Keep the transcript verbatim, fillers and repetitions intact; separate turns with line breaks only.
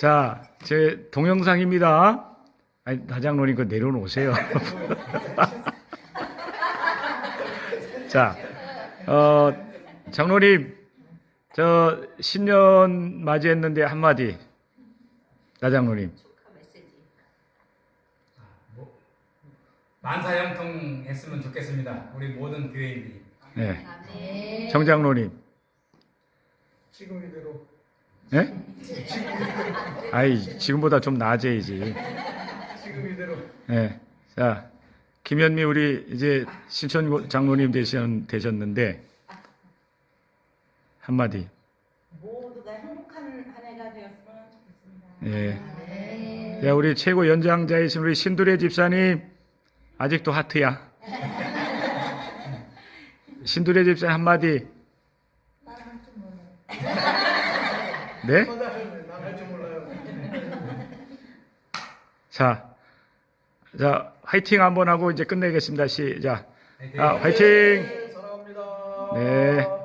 자, 제 동영상입니다. 아니, 다장로님 그 내려놓으세요. 자, 어, 장로님, 저 신년 맞이했는데 한마디. 다장로님.
만사형통 했으면 좋겠습니다. 우리 모든 교회인들이.
네. 정장로님.
지금 이대로.
네? 아이, 지금보다 좀 나아져야지.
지금 이대로.
네. 자, 김현미 우리 이제 신천 장로님 되신, 되셨는데 한마디.
모두가 행복한 한 해가 되었으면 좋겠습니다.
예.
네.
자, 우리 최고 연장자이신 우리 신두레 집사님 아직도 하트야. 신두레 집사님 한마디. 네?
나갈 줄 몰라요.
자, 자, 화이팅 한번 하고 이제 끝내겠습니다. 시작.
화이팅!
아, 화이팅!
네, 사랑합니다.
네.